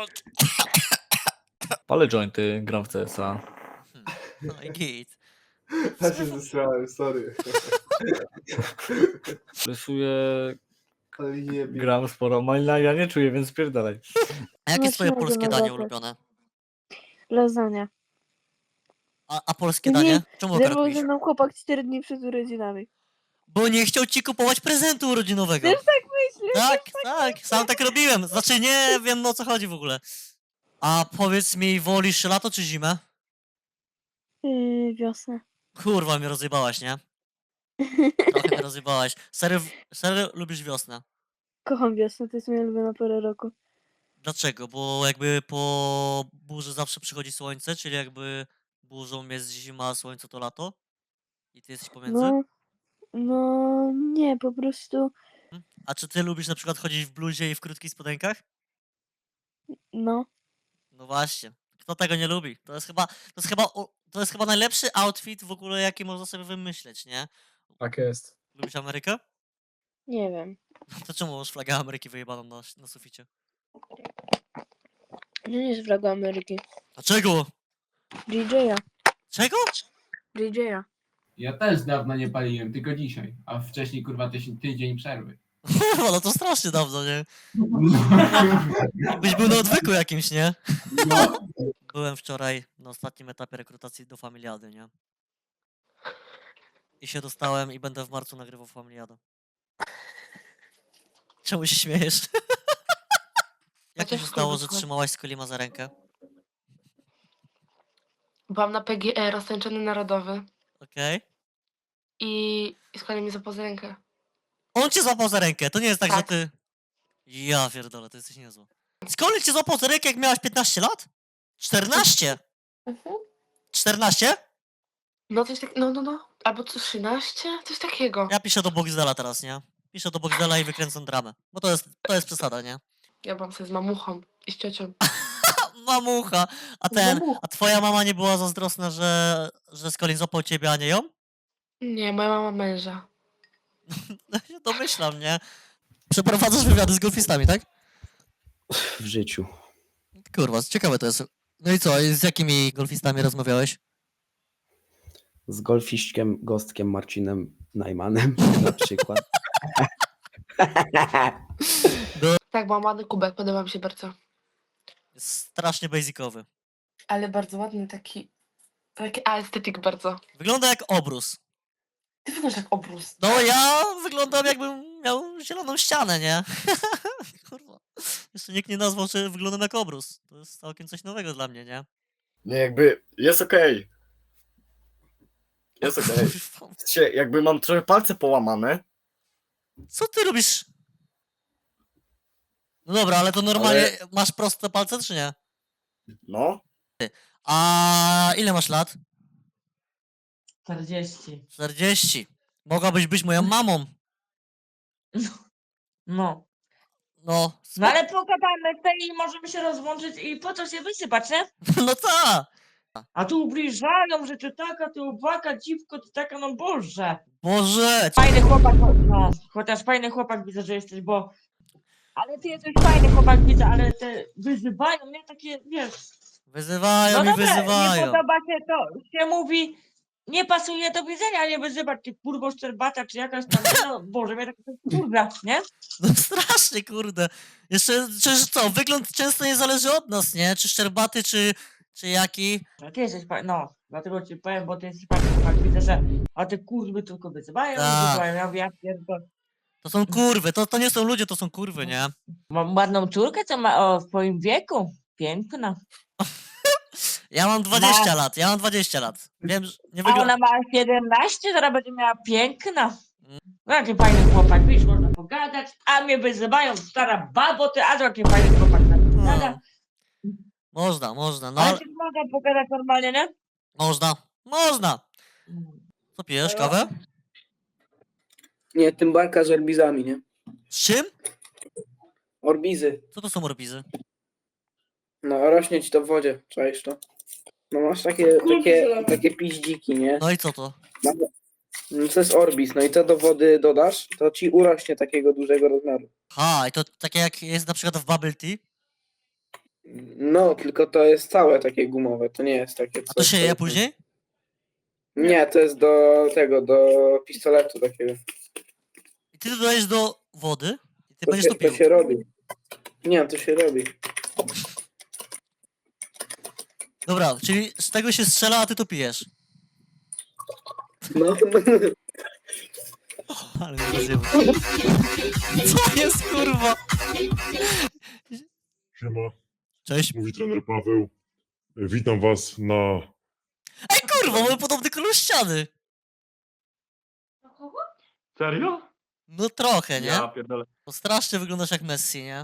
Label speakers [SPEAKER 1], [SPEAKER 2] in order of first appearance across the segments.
[SPEAKER 1] Palę jointy, gram w CS-a.
[SPEAKER 2] No i git.
[SPEAKER 3] Ja się zesrałem, sorry.
[SPEAKER 1] Rysuję,
[SPEAKER 3] Ale nie wiem.
[SPEAKER 1] gram sporo. Malina ja nie czuję, więc spierdalaj.
[SPEAKER 2] A jakie
[SPEAKER 4] No,
[SPEAKER 2] twoje
[SPEAKER 4] trzeba go
[SPEAKER 2] polskie danie
[SPEAKER 4] nadrapać.
[SPEAKER 2] ulubione?
[SPEAKER 4] Lasagna.
[SPEAKER 2] A polskie
[SPEAKER 4] Nie,
[SPEAKER 2] danie? Czemu
[SPEAKER 4] Zerwał
[SPEAKER 2] karpisz?
[SPEAKER 4] ze mną chłopak 4 dni przed urodzinami.
[SPEAKER 2] Bo nie chciał ci kupować prezentu urodzinowego.
[SPEAKER 4] Też tak myślisz?
[SPEAKER 2] Tak, sam tak robiłem. Znaczy nie wiem o co chodzi w ogóle. A powiedz mi, wolisz lato czy zimę?
[SPEAKER 4] Wiosnę.
[SPEAKER 2] Kurwa, mnie rozjebałaś, nie? Trochę mnie rozjebałaś. Serio lubisz wiosnę?
[SPEAKER 4] Kocham wiosnę, to jest moja ulubiona pora roku.
[SPEAKER 2] Dlaczego? Bo jakby po burzy zawsze przychodzi słońce, czyli jakby burzą jest zima, a słońce to lato? I ty jesteś pomiędzy?
[SPEAKER 4] No, nie, po prostu,
[SPEAKER 2] A czy ty lubisz na przykład chodzić w bluzie i w krótkich spodenkach?
[SPEAKER 4] no.
[SPEAKER 2] No właśnie. Kto tego nie lubi? To jest chyba najlepszy outfit w ogóle, jaki można sobie wymyśleć, nie?
[SPEAKER 5] Tak jest.
[SPEAKER 2] Lubisz Amerykę?
[SPEAKER 4] Nie wiem.
[SPEAKER 2] To czemu masz flagę Ameryki wyjebaną na suficie?
[SPEAKER 4] Nie jest flaga Ameryki.
[SPEAKER 2] Dlaczego?
[SPEAKER 4] DJ-a.
[SPEAKER 2] Czego?
[SPEAKER 4] DJ-a.
[SPEAKER 5] Ja też dawno nie paliłem, tylko dzisiaj. A wcześniej kurwa tydzień przerwy.
[SPEAKER 2] Kurwa, no to strasznie dawno, nie? Byś był na odwyku jakimś, nie?
[SPEAKER 5] No.
[SPEAKER 2] Byłem wczoraj na ostatnim etapie rekrutacji do Familiady, nie? I się dostałem i będę w marcu nagrywał Familiadę. Czemu się śmiejesz? Jak to się stało, że trzymałaś Skolima za rękę?
[SPEAKER 6] Byłam na PGE, roztańczony narodowy
[SPEAKER 2] Okej?
[SPEAKER 6] i składał mi za poza rękę.
[SPEAKER 2] On cię złapał za rękę, to nie jest tak, że
[SPEAKER 6] Tak.
[SPEAKER 2] ty... Ja pierdolę, to jesteś niezły. Skolin cię złapał za rękę, jak miałaś 15 lat? 14? 14?
[SPEAKER 6] No coś tak, no. Albo co, 13? Coś takiego.
[SPEAKER 2] Ja piszę do Boxdela teraz, nie? Piszę do Boxdela i wykręcam dramę. Bo to jest przesada, nie?
[SPEAKER 6] Ja byłam sobie z mamuchą i z ciocią.
[SPEAKER 2] Mamucha! A twoja mama nie była zazdrosna, że Skolin złapał ciebie, a nie ją?
[SPEAKER 6] Nie, moja mama męża.
[SPEAKER 2] No się domyślam, nie? Przeprowadzasz wywiady z golfistami, tak?
[SPEAKER 7] W życiu.
[SPEAKER 2] Kurwa, ciekawe to jest. No i co, i z jakimi golfistami rozmawiałeś?
[SPEAKER 7] Z golfiśćkiem, gostkiem Marcinem Najmanem na przykład.
[SPEAKER 6] Tak, byłam ładny kubek, podoba mi się bardzo.
[SPEAKER 2] Jest strasznie basicowy.
[SPEAKER 6] Ale bardzo ładny, taki estetyk bardzo.
[SPEAKER 2] Wygląda jak obrus.
[SPEAKER 6] Ty wyglądasz jak obrus.
[SPEAKER 2] No ja wyglądam jakbym miał zieloną ścianę, nie? Kurwa. Jeszcze nikt nie nazwał, że wyglądam jak obrus. To jest całkiem coś nowego dla mnie, nie?
[SPEAKER 8] Nie, jakby jest okej. Jest okej. Jakby mam trochę palce połamane.
[SPEAKER 2] Co ty robisz? No dobra, ale to normalnie masz proste palce, czy nie?
[SPEAKER 8] No.
[SPEAKER 2] A ile masz lat?
[SPEAKER 9] 40.
[SPEAKER 2] 40. Mogłabyś być moją mamą.
[SPEAKER 9] No.
[SPEAKER 2] No.
[SPEAKER 9] No ale pogadamy tutaj i możemy się rozłączyć i po co się wysypać, nie?
[SPEAKER 2] No ta.
[SPEAKER 9] A tu ubliżają, że ty taka, ty uwaka, dziwko, ty taka, no Boże.
[SPEAKER 2] Boże.
[SPEAKER 9] Fajny chłopak, no. Chociaż fajny chłopak widzę, że jesteś, bo... Ale ty jesteś fajny chłopak, widzę, ale te wyzywają mnie takie, wiesz...
[SPEAKER 2] Wyzywają
[SPEAKER 9] No
[SPEAKER 2] i
[SPEAKER 9] dobra, nie
[SPEAKER 2] wyzywają.
[SPEAKER 9] podoba się to, się mówi... Nie pasuje do widzenia, nie wyzywać, ty kurwo szczerbata, czy jakaś tam, no Boże, mnie tak kurwa, nie?
[SPEAKER 2] No strasznie, kurde. Jeszcze, czy co, wygląd często nie zależy od nas, nie? Czy szczerbaty, czy jaki.
[SPEAKER 9] No ty jesteś fajny, no, dlatego ci powiem, bo ty jesteś fajny chłopak, widzę, że a te kurwy tylko wyzywają,
[SPEAKER 2] Tak.
[SPEAKER 9] wyzywają, ja mówię, ja pierdolę.
[SPEAKER 2] To są kurwy, to nie są ludzie, to są kurwy, nie?
[SPEAKER 9] Mam ładną córkę, co ma w twoim wieku, piękna.
[SPEAKER 2] Ja mam 20 lat, ja mam 20 lat. Wiem, że nie
[SPEAKER 9] A
[SPEAKER 2] wygląda...
[SPEAKER 9] ona ma 17, zaraz będzie miała piękna. No jaki fajny chłopak, widzisz, można pogadać, a mnie wyzywają, stara babo, ty, a jaki fajny chłopak. Gada.
[SPEAKER 2] Można, no
[SPEAKER 9] Ale
[SPEAKER 2] ale...
[SPEAKER 9] ty można pogadać normalnie, nie?
[SPEAKER 2] Można. Co pijesz, kawę?
[SPEAKER 10] Nie, tymbarka z orbizami, nie?
[SPEAKER 2] Z czym?
[SPEAKER 10] Orbizy.
[SPEAKER 2] Co to są orbizy?
[SPEAKER 10] No, rośnie ci to w wodzie, czaisz to? No masz takie piździki, nie?
[SPEAKER 2] No i co to?
[SPEAKER 10] No, to jest orbis, no i co do wody dodasz, to ci urośnie takiego dużego rozmiaru.
[SPEAKER 2] Ha, i to takie jak jest na przykład w bubble tea?
[SPEAKER 10] No, tylko to jest całe takie gumowe, to nie jest takie
[SPEAKER 2] A to się je później?
[SPEAKER 10] Nie, to jest do tego, do pistoletu takiego.
[SPEAKER 2] I ty to dajesz do wody i ty
[SPEAKER 10] To
[SPEAKER 2] będziesz
[SPEAKER 10] się,
[SPEAKER 2] to pił.
[SPEAKER 10] to się robi. Nie, to się robi.
[SPEAKER 2] Dobra, czyli z tego się strzela, a ty to pijesz.
[SPEAKER 10] No,
[SPEAKER 2] Ale mnie rozjebał. Co jest, kurwa?
[SPEAKER 11] Siema,
[SPEAKER 2] Cześć.
[SPEAKER 11] mówi trener Paweł. Witam was na...
[SPEAKER 2] Ej, kurwa, mamy podobny kolor ściany.
[SPEAKER 1] Serio?
[SPEAKER 2] No trochę, nie?
[SPEAKER 1] Ja pierdolę.
[SPEAKER 2] Bo strasznie wyglądasz jak Messi, nie?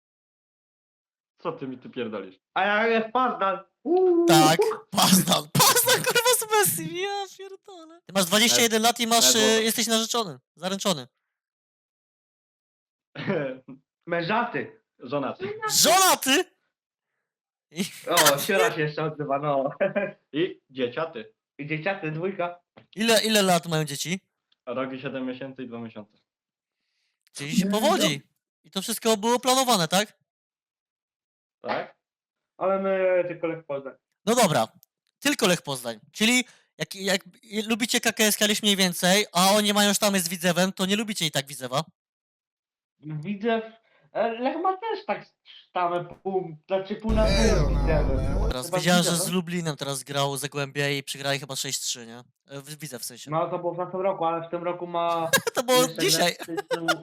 [SPEAKER 1] Co ty mi tu pierdolisz?
[SPEAKER 3] A ja jest Pazdan.
[SPEAKER 2] Tak, Pazdan, kurwa z Messi, ja pierdolę. Ty masz 21 lat i masz, jesteś narzeczony, zaręczony.
[SPEAKER 3] Mężaty.
[SPEAKER 1] Żonaty.
[SPEAKER 2] Żonaty! I,
[SPEAKER 3] O, siora się jeszcze odzywa, no.
[SPEAKER 1] I dzieciaty.
[SPEAKER 3] I dzieciaty, dwójka.
[SPEAKER 2] ile lat mają dzieci?
[SPEAKER 1] Rok i 7 miesięcy i 2 miesiące.
[SPEAKER 2] Czyli się powodzi. I to wszystko było planowane, tak?
[SPEAKER 1] Tak?
[SPEAKER 3] Ale my tylko Lech Poznań.
[SPEAKER 2] No dobra, tylko Lech Poznań. Czyli jak lubicie KKS Kalisz mniej więcej, a oni mają sztamy z Widzewem, to nie lubicie i tak Widzewa.
[SPEAKER 3] Widzę. Lech ma też tak sztamę pół na pół.
[SPEAKER 2] Teraz
[SPEAKER 3] Chyba
[SPEAKER 2] widziałem, że
[SPEAKER 3] Widzew,
[SPEAKER 2] z
[SPEAKER 3] no?
[SPEAKER 2] Lublinem teraz grał Zagłębie i przegrali chyba 6-3, nie? Widzę w sensie.
[SPEAKER 3] No to było w tamtym roku, ale w tym roku ma...
[SPEAKER 2] To było
[SPEAKER 3] jeszcze
[SPEAKER 2] dzisiaj.
[SPEAKER 3] grać-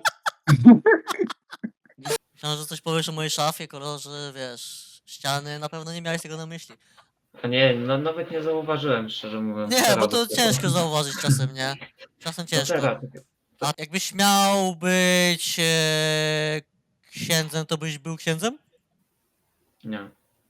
[SPEAKER 2] Myślałem, że coś powiesz o mojej szafie, kolorze, wiesz, ściany, na pewno nie miałeś tego na myśli.
[SPEAKER 12] A nie, no nawet nie zauważyłem, szczerze mówiąc.
[SPEAKER 2] Nie,
[SPEAKER 12] Teraz
[SPEAKER 2] bo to
[SPEAKER 12] dopiero.
[SPEAKER 2] ciężko zauważyć czasem, nie? Czasem
[SPEAKER 12] No
[SPEAKER 2] ciężko.
[SPEAKER 12] teraz.
[SPEAKER 2] A jakbyś miał być księdzem, to byś był księdzem?
[SPEAKER 12] Nie.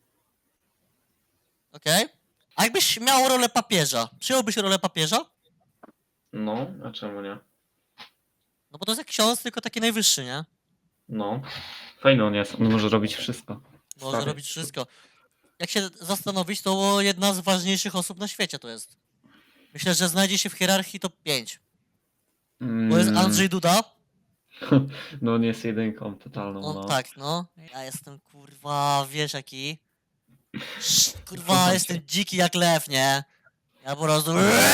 [SPEAKER 2] Okej. A jakbyś miał rolę papieża, przyjąłbyś rolę papieża?
[SPEAKER 12] No, a czemu nie?
[SPEAKER 2] No bo to jest jak ksiądz, tylko taki najwyższy, nie?
[SPEAKER 12] No. Fajny on jest, on może robić wszystko.
[SPEAKER 2] Może
[SPEAKER 12] Stary.
[SPEAKER 2] robić wszystko. Jak się zastanowić, to jedna z ważniejszych osób na świecie to jest. Myślę, że znajdzie się w hierarchii top 5. Bo jest Andrzej Duda.
[SPEAKER 12] No on jest jedynką totalną,
[SPEAKER 2] On
[SPEAKER 12] no.
[SPEAKER 2] tak, no. Ja jestem kurwa, wiesz jaki. Kurwa, jestem dziki jak lew, nie? Ja po prostu...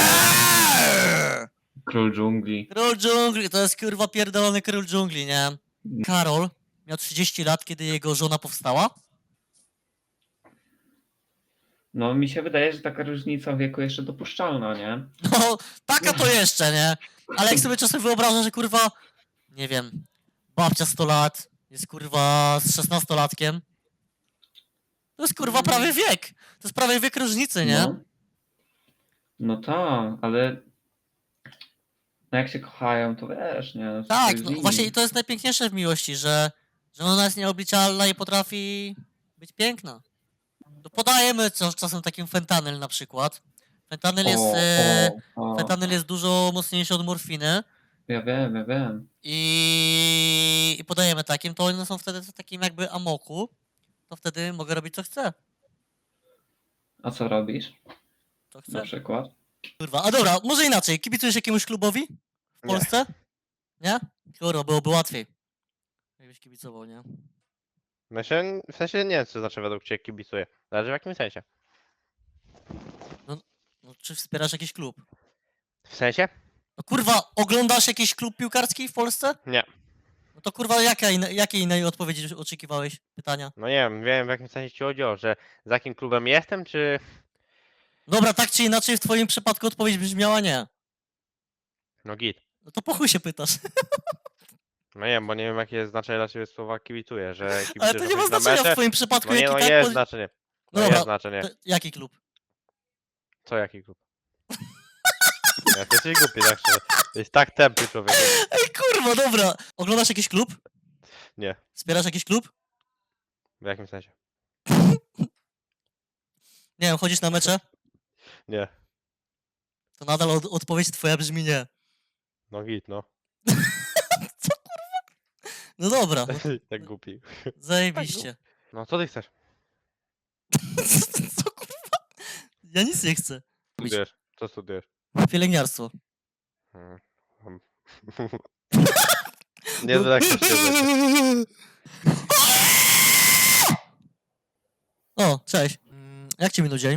[SPEAKER 12] Król dżungli.
[SPEAKER 2] Król dżungli, to jest kurwa pierdolony król dżungli, nie? Karol miał 30 lat, kiedy jego żona powstała.
[SPEAKER 12] No mi się wydaje, że taka różnica wieku jeszcze dopuszczalna, nie?
[SPEAKER 2] No, taka to jeszcze, nie? Ale jak sobie czasem wyobrażam, że kurwa, nie wiem, babcia 100 lat, jest kurwa z 16-latkiem. To jest kurwa prawie wiek. To jest prawie wiek różnicy, nie?
[SPEAKER 12] No, no tak, ale... No jak się kochają, to wiesz, nie? To
[SPEAKER 2] Tak,
[SPEAKER 12] jest
[SPEAKER 2] no
[SPEAKER 12] inny.
[SPEAKER 2] właśnie i to jest najpiękniejsze w miłości, że ona jest nieobliczalna i potrafi być piękna. To podajemy czasem takim fentanyl na przykład. Fentanyl jest, fentanyl jest dużo mocniejszy od morfiny
[SPEAKER 12] Ja wiem.
[SPEAKER 2] i podajemy takim, to one są wtedy w takim jakby amoku, to wtedy mogę robić co chcę.
[SPEAKER 12] A co robisz?
[SPEAKER 2] Co
[SPEAKER 12] Na
[SPEAKER 2] chcę.
[SPEAKER 12] przykład?
[SPEAKER 2] Kurwa, a dobra, może inaczej. Kibicujesz jakiemuś klubowi w Polsce? Nie? Kurwa, byłoby łatwiej. Jakbyś kibicował, nie?
[SPEAKER 13] W sensie nie wiem, co znaczy według Ciebie kibicuję. Zależy w jakim sensie.
[SPEAKER 2] No, czy wspierasz jakiś klub?
[SPEAKER 13] W sensie?
[SPEAKER 2] No kurwa, oglądasz jakiś klub piłkarski w Polsce?
[SPEAKER 13] Nie.
[SPEAKER 2] No to kurwa, jakiej innej odpowiedzi oczekiwałeś? Pytania?
[SPEAKER 13] No nie wiem w jakim sensie Ci chodziło, że z jakim klubem jestem, czy...
[SPEAKER 2] Dobra, tak czy inaczej w twoim przypadku odpowiedź brzmiała nie.
[SPEAKER 13] No git.
[SPEAKER 2] No to po chuj się pytasz.
[SPEAKER 13] No nie wiem, bo nie wiem jakie jest znaczenie dla Ciebie słowa kibicuję, że
[SPEAKER 2] Ale
[SPEAKER 13] kibicujesz
[SPEAKER 2] to nie ma
[SPEAKER 13] na
[SPEAKER 2] znaczenia w
[SPEAKER 13] mecze.
[SPEAKER 2] twoim przypadku,
[SPEAKER 13] No nie,
[SPEAKER 2] jaki
[SPEAKER 13] no
[SPEAKER 2] tak
[SPEAKER 13] jest
[SPEAKER 2] powie-
[SPEAKER 13] znaczenie.
[SPEAKER 2] No
[SPEAKER 13] No
[SPEAKER 2] dobra,
[SPEAKER 13] jest znaczenie.
[SPEAKER 2] To jaki klub?
[SPEAKER 13] Co jaki klub? Ja to jesteś głupi, tak szczerze. To jest tak tępy człowiek.
[SPEAKER 2] Ej kurwa, dobra. Oglądasz jakiś klub?
[SPEAKER 13] Nie.
[SPEAKER 2] Wspierasz jakiś klub?
[SPEAKER 13] W jakim sensie?
[SPEAKER 2] Nie wiem, chodzisz na mecze?
[SPEAKER 13] Nie.
[SPEAKER 2] To nadal odpowiedź twoja brzmi nie.
[SPEAKER 13] No git, no.
[SPEAKER 2] Co kurwa? No dobra, no,
[SPEAKER 13] Tak głupi.
[SPEAKER 2] zajebiście.
[SPEAKER 13] No co ty chcesz?
[SPEAKER 2] Co kurwa? Ja nic nie chcę.
[SPEAKER 13] Studujesz? Co studujesz?
[SPEAKER 2] Pielęgniarstwo.
[SPEAKER 13] Hmm. Nie tak się
[SPEAKER 2] O, cześć. Jak ci minął dzień?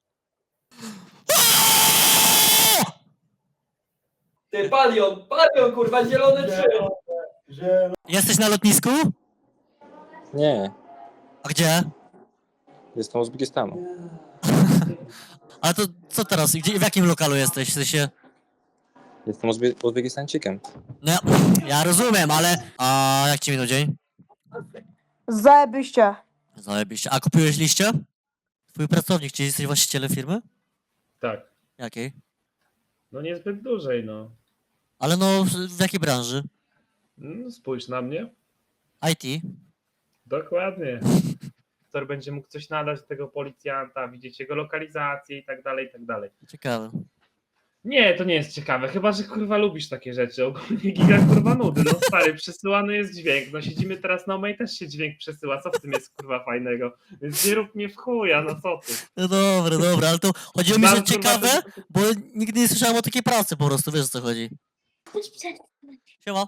[SPEAKER 10] Ty, palion, kurwa, zielone
[SPEAKER 2] Jesteś na lotnisku?
[SPEAKER 14] Nie,
[SPEAKER 2] A gdzie?
[SPEAKER 14] jestem z Uzbekistanu.
[SPEAKER 2] Ale to co teraz? Gdzie, w jakim lokalu jesteś? W sensie...
[SPEAKER 14] Jestem Uzbekistańczykiem.
[SPEAKER 2] No, ja rozumiem, ale... A jak ci minął dzień?
[SPEAKER 4] Zajebiście.
[SPEAKER 2] Zajebiście. A kupiłeś liście? Twój pracownik, czy jesteś właścicielem firmy?
[SPEAKER 1] Tak.
[SPEAKER 2] Jakiej?
[SPEAKER 1] No niezbyt dużej, no.
[SPEAKER 2] Ale no, w jakiej branży?
[SPEAKER 1] Spójrz na mnie.
[SPEAKER 2] IT?
[SPEAKER 1] Dokładnie. Który będzie mógł coś nadać do tego policjanta, widzieć jego lokalizację i tak dalej, i tak dalej.
[SPEAKER 2] Ciekawe.
[SPEAKER 1] Nie, to nie jest ciekawe, chyba że kurwa lubisz takie rzeczy. Ogólnie giga kurwa nudy. No stary, przesyłany jest dźwięk. No siedzimy teraz na Omej, też się dźwięk przesyła. Co w tym jest kurwa fajnego? Więc nie rób mnie w chuja, no co ty.
[SPEAKER 2] No dobra, ale to chodziło mi, że
[SPEAKER 1] Bardzo,
[SPEAKER 2] ciekawe,
[SPEAKER 1] bardzo-
[SPEAKER 2] bo nigdy nie słyszałem o takiej pracy po prostu, wiesz o co chodzi. Siema.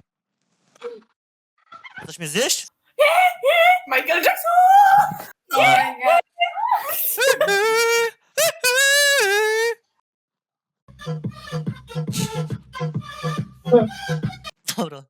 [SPEAKER 2] Chcesz mnie zjeść?
[SPEAKER 10] Michael Jackson!
[SPEAKER 2] Dobra.